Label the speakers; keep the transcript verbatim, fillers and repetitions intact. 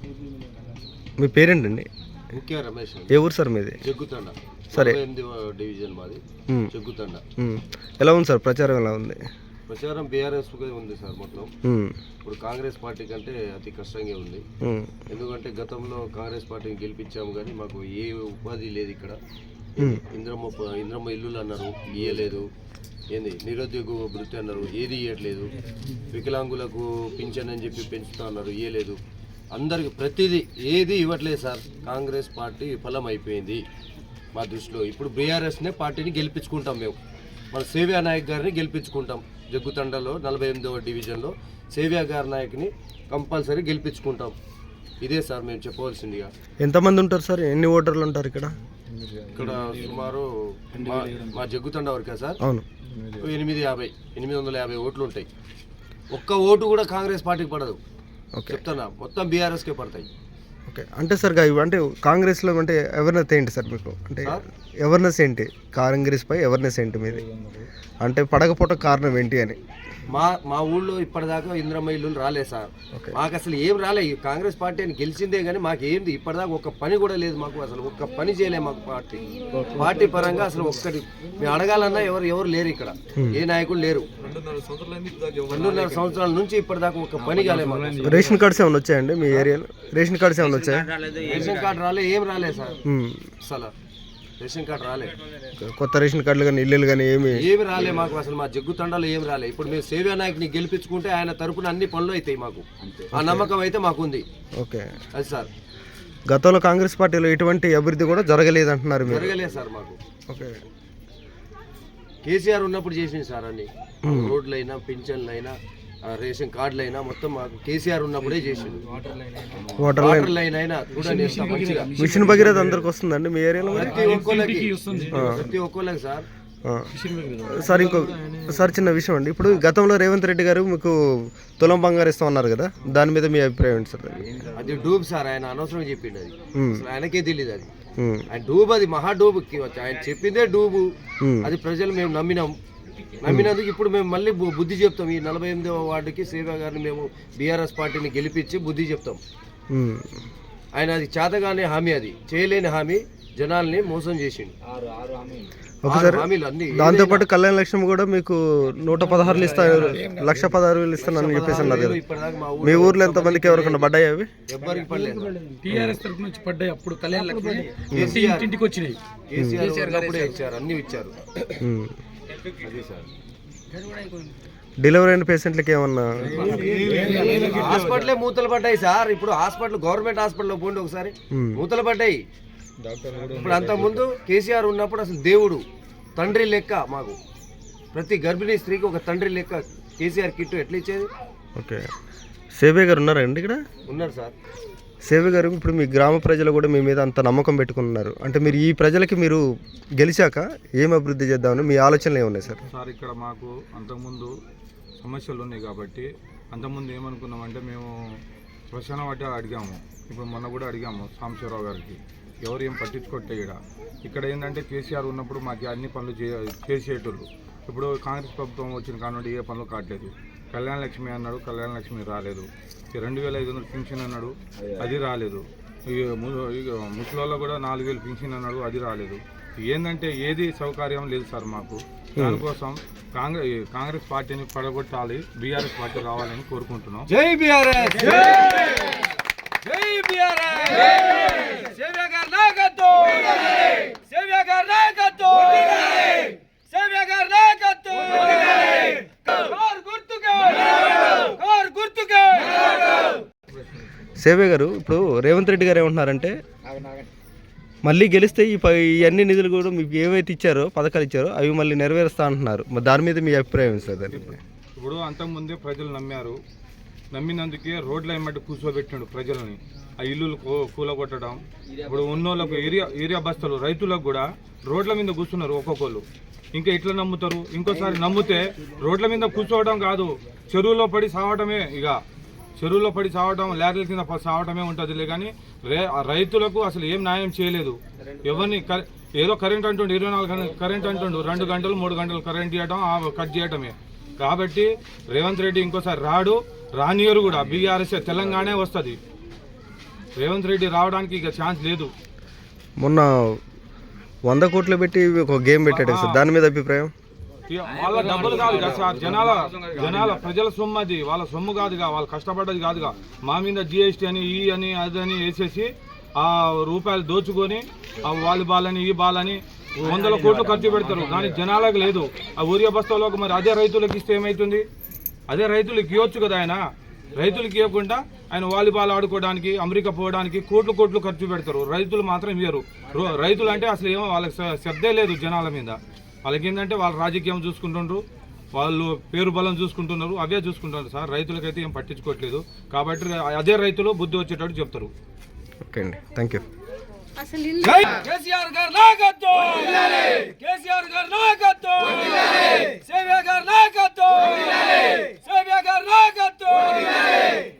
Speaker 1: మీ పేరేంటండి?
Speaker 2: ముఖ్య రమేష్.
Speaker 1: ఏ ఊరు సార్ మీది?
Speaker 2: జగ్గుతండ.
Speaker 1: సరే,
Speaker 2: డివిజన్ మాది జగ్గుతండ.
Speaker 1: ఎలా ఉంది సార్ ప్రచారం? ఎలా ఉంది
Speaker 2: ప్రచారం? బీఆర్ఎస్ ఉంది సార్ మొత్తం. ఇప్పుడు కాంగ్రెస్ పార్టీ కంటే అతి కష్టంగా ఉంది. ఎందుకంటే గతంలో కాంగ్రెస్ పార్టీని గెలిపించాము కానీ మాకు ఏ ఉపాధి లేదు ఇక్కడ. ఇంద్రమ్మ ఇంద్రమ్మ ఇల్లులు అన్నారు, ఇయ్యలేదు. ఏంది నిరుద్యోగ వృత్తి అన్నారు, ఏది ఇవ్వట్లేదు. వికలాంగులకు పింఛన్ అని చెప్పి పెంచుతా అన్నారు, ఇవ్వలేదు. అందరికి ప్రతిదీ ఏది ఇవ్వట్లేదు సార్. కాంగ్రెస్ పార్టీ విఫలం అయిపోయింది మా దృష్టిలో. ఇప్పుడు బీఆర్ఎస్నే పార్టీని గెలిపించుకుంటాం మేము. మన సేవ్యా నాయక్ గారిని గెలిపించుకుంటాం. జగ్గుతండలో నలభై ఎనిమిదవ డివిజన్లో సేవ్యా గారి నాయక్ని కంపల్సరీ గెలిపించుకుంటాం. ఇదే సార్ మేము చెప్పవలసిందిగా.
Speaker 1: ఎంతమంది ఉంటారు సార్? ఎన్ని ఓటర్లు ఉంటారు ఇక్కడ?
Speaker 2: ఇక్కడ సుమారు మా జగ్గుతండ వరకే సార్.
Speaker 1: అవును,
Speaker 2: ఎనిమిది యాభై ఎనిమిది వందల యాభై ఓట్లు ఉంటాయి. ఒక్క ఓటు కూడా కాంగ్రెస్ పార్టీకి పడదు. చెప్తున్నా, మొత్తం బీఆర్ఎస్కే పడతాయి.
Speaker 1: ఓకే, అంటే సార్ అంటే కాంగ్రెస్లో అంటే అవేర్నెస్ ఏంటి సార్ మీకు? అంటే అవేర్నెస్ ఏంటి కాంగ్రెస్ పై? అవేర్నెస్ ఏంటి మీది? అంటే పడకపోవట కారణం ఏంటి అని.
Speaker 2: మా మా ఊళ్ళో ఇప్పటిదాకా ఇంద్రమ్మ ఇల్లు రాలేదు సార్. మాకు అసలు ఏం రాలేదు. కాంగ్రెస్ పార్టీ అని గెలిచిందే కానీ మాకు ఏంది ఇప్పటిదాకా ఒక్క పని కూడా లేదు. మాకు అసలు ఒక్క పని చేయలేదు మాకు పార్టీ పార్టీ పరంగా. అసలు ఒక్కటి మేము అడగాలన్నా ఎవరు ఎవరు లేరు ఇక్కడ. ఏ నాయకులు లేరు. రెండున్నర సంవత్సరాల నుంచి ఇప్పటిదాకా ఒక్క పని కాలేదు మాకు.
Speaker 1: రేషన్ కార్డ్స్ ఏమైనా వచ్చాయండి మీ ఏరియాలో? రేషన్ కార్డ్స్ ఏమైనా వచ్చాయి?
Speaker 2: రేషన్ కార్డు రాలేదు, ఏం రాలేదు సార్. అసలు రేషన్ కార్డు రాలేదు.
Speaker 1: కొత్త రేషన్ కార్డులు కానీ ఇల్లులు కానీ ఏమి
Speaker 2: ఏమి రాలే మాకు. అసలు మా జగ్గుతండలో ఏమి రాలే. ఇప్పుడు మేము సేవ్యా నాయక్ని గెలిపించుకుంటే ఆయన తరపున అన్ని పనులు అవుతాయి మాకు. ఆ నమ్మకం అయితే మాకుంది.
Speaker 1: ఓకే,
Speaker 2: అది సార్.
Speaker 1: గతంలో కాంగ్రెస్ పార్టీలో ఎటువంటి అభివృద్ధి కూడా జరగలేదు అంటున్నారు మీరు?
Speaker 2: జరగలేదు సార్ మాకు.
Speaker 1: ఓకే,
Speaker 2: కేసీఆర్ ఉన్నప్పుడు చేసింది సార్ అన్ని. రోడ్లు అయినా, పింఛన్లు అయినా, రేషన్ కార్డులు అయినా మొత్తం మాకు కేసీఆర్ ఉన్నప్పుడే చేసింది. వాటర్ లైన్ అయినా చూడండి మంచిగా.
Speaker 1: మిషన్ భగీరథ అందరికి వస్తుందండి మీ ఏరియాలో?
Speaker 2: ప్రతి ఒక్కరికి ప్రతి ఒక్కరికి సార్.
Speaker 1: సార్ ఇంకో సార్ చిన్న విషయం అండి. ఇప్పుడు గతంలో రేవంత్ రెడ్డి గారు మీకు తులం బంగారు ఇస్తాం అన్నారు కదా, దాని మీద మీ అభిప్రాయం ఏంటి సార్?
Speaker 2: అది డూబ్ సార్. ఆయన అనవసరం చెప్పిండు. అది ఆయనకే తెలియదు. అది ఆయన డూబ్, అది మహా డూబ్. ఆయన చెప్పిందే డూబు. అది ప్రజలు మేము నమ్మినాం. నమ్మినందుకు ఇప్పుడు మేము మళ్ళీ బుద్ధి చెప్తాం. ఈ నలభై ఎనిమిదవ వార్డుకి సేవ్యా గారిని మేము బీఆర్ఎస్ పార్టీని గెలిపించి బుద్ధి చెప్తాం. ఆయన అది చేతగానే హామీ, అది చేయలేని హామీ, జనాల్ని మోసం చేసిండు.
Speaker 1: దాంతో పాటు కళ్యాణ లక్ష్మి కూడా మీకు నూట పదహారులు ఇస్తాను, లక్ష పదహారు వేలు ఇస్తానని చెప్పేసి అన్నారు. మీ ఊర్లో ఎంత మందికి ఎవరికన్నా పడ్డాయి? అవి
Speaker 2: ఎవరికి పడలేదు.
Speaker 3: టీఆర్ఎస్ తరఫు నుంచి పడ్డాయి. అప్పుడు కళ్యాణ లక్ష్మి ఇంటికి వచ్చినాయి.
Speaker 2: కేసీఆర్ ఇచ్చారు, అన్ని ఇచ్చారు.
Speaker 1: డెలివరీ అయిన పేషెంట్లకి ఏమన్నా
Speaker 2: హాస్పిటలే మూతలు పడ్డాయి సార్. ఇప్పుడు హాస్పిటల్, గవర్నమెంట్ హాస్పిటల్లో పోండి ఒకసారి, మూతలు పడ్డాయి. ఇప్పుడు అంత ముందు కేసీఆర్ ఉన్నప్పుడు అసలు దేవుడు, తండ్రి లెక్క మాకు. ప్రతి గర్భిణీ స్త్రీకి ఒక తండ్రి లెక్క కేసీఆర్ కిట్ ఎట్లా ఇచ్చేది.
Speaker 1: ఓకే, సేవ్య గారు ఉన్నారండి ఇక్కడ?
Speaker 2: ఉన్నారు సార్.
Speaker 1: సేవ్య గారు, ఇప్పుడు మీ గ్రామ ప్రజలు కూడా మీ మీద అంత నమ్మకం పెట్టుకున్నారు అంటే మీరు ఈ ప్రజలకి మీరు గెలిచాక ఏం అభివృద్ధి చేద్దామని మీ ఆలోచనలు ఏమున్నాయి సార్?
Speaker 4: సార్, ఇక్కడ మాకు అంతకుముందు సమస్యలు ఉన్నాయి కాబట్టి అంతకుముందు ఏమనుకున్నామంటే మేము శ్మశాన వాటి అడిగాము. ఇప్పుడు మొన్న కూడా అడిగాము సాంబశివరావు గారికి. ఎవరు ఏం పట్టించుకోట్టే. ఇక్కడ ఇక్కడ ఏంటంటే కేసీఆర్ ఉన్నప్పుడు మాకు అన్ని పనులు చే చేసేటోళ్ళు. ఇప్పుడు కాంగ్రెస్ ప్రభుత్వం వచ్చిన కానుండి ఏ పనులు కావట్లేదు. కళ్యాణ లక్ష్మి అన్నాడు, కళ్యాణ లక్ష్మి రాలేదు. రెండు వేల ఐదు వందలు పింఛన్ అన్నాడు, అది రాలేదు. ముసలిలో కూడా నాలుగు వేలు పింఛన్ అన్నాడు, అది రాలేదు. ఏంటంటే ఏది సౌకర్యం లేదు సార్ మాకు. దానికోసం కాంగ్రెస్ కాంగ్రెస్ పార్టీని పడగొట్టాలి, బీఆర్ఎస్ పార్టీ రావాలని కోరుకుంటున్నాం.
Speaker 2: జై బీఆర్ఎస్, జై బీఆర్ఎస్, సేవ్యా గారి నాయకత్వం, సేవ్యా గారి నాయకత్వం, సేవ్యా గారి నాయకత్వం. కారు గుర్తుకే, కారు గుర్తుకే.
Speaker 1: సేవ్య గారు, ఇప్పుడు రేవంత్ రెడ్డి గారు ఏమంటున్నారంటే మళ్ళీ గెలిస్తే ఈ ఈ అన్ని నిధులు కూడా మీకు ఏవైతే ఇచ్చారో, పథకాలు ఇచ్చారో అవి మళ్ళీ నెరవేరుస్తా అంటున్నారు. మరి దాని మీద మీ అభిప్రాయం సార్?
Speaker 4: ఇప్పుడు అంతకుముందే ప్రజలు నమ్మారు. నమ్మినందుకే రోడ్ల ఎమ్మటి కూర్చోబెట్టినాడు ప్రజలని. ఆ ఇల్లులు కూలగొట్టడం. ఇప్పుడు ఉన్నోళ్ళకు ఏరియా ఏరియా బస్తలు రైతులకు కూడా రోడ్ల మీద కూర్చున్నారు ఒక్కొక్కరు. ఇంకా ఎట్లా నమ్ముతారు? ఇంకోసారి నమ్మితే రోడ్ల మీద కూర్చోవడం కాదు, చెరువులో పడి సావటమే. ఇక చెరువులో పడి సావటం, లేకల కింద సావటమే ఉంటుందిలే. కానీ రే రైతులకు అసలు ఏం న్యాయం చేయలేదు. ఎవరిని ఏదో కరెంట్ అంటుండు, ఇరవై నాలుగు కరెంట్ అంటుండు, రెండు గంటలు మూడు గంటలు కరెంట్ ఇవ్వటం, కట్ చేయటమే. కాబట్టి రేవంత్ రెడ్డి ఇంకోసారి రాడు, రానియరు కూడా. బీఆర్ఎస్ తెలంగాణ వస్తుంది. రేవంత్ రెడ్డి రావడానికి ఇక ఛాన్స్ లేదు.
Speaker 1: మొన్న వంద కోట్లు పెట్టి ఒక గేమ్ పెట్టాడు కదా సార్, దాని మీద అభిప్రాయం?
Speaker 4: ఇక వాళ్ళ డబ్బులు కాదు కదా సార్, జనాల జనాల ప్రజల సొమ్ము అది, వాళ్ళ సొమ్ము కాదుగా, వాళ్ళు కష్టపడ్డది కాదుగా. మా మీద జిఎస్టీ అని ఈ అని అది అని వేసేసి ఆ రూపాయలు దోచుకొని ఆ వాళ్ళు బాలని ఈ బాలని వందల కోట్లు ఖర్చు పెడతారు, కానీ జనాలకు లేదు. ఆ ఊరియా బస్తాలకు మరి అదే రైతులకు ఇస్తే ఏమవుతుంది? అదే రైతులకు ఇవ్వచ్చు కదా ఆయన. రైతులకు ఇవ్వకుండా ఆయన వాలీబాల్ ఆడుకోవడానికి అమెరికా పోవడానికి కోట్లు కోట్లు ఖర్చు పెడతారు, రైతులు మాత్రం ఇవ్వరు. రైతులు అంటే అసలు ఏమో వాళ్ళకి శబ్దే లేదు జనాల మీద. వాళ్ళకి ఏంటంటే వాళ్ళ రాజకీయం చూసుకుంటుండ్రు, వాళ్ళు పేరు బలం చూసుకుంటున్నారు, అవే చూసుకుంటున్నారు సార్. రైతులకైతే ఏం పట్టించుకోవట్లేదు. కాబట్టి అదే రైతులు బుద్ధి వచ్చేటట్టు చెప్తారు.
Speaker 1: ఓకే అండి, థ్యాంక్ యూ.
Speaker 3: కేసీఆర్ గారి నాయకత్వం, కేసీఆర్ గారి నాయకత్వం, సేవ్య గారి నాయకత్వం, సేవ్య గారి నాయకత్వం.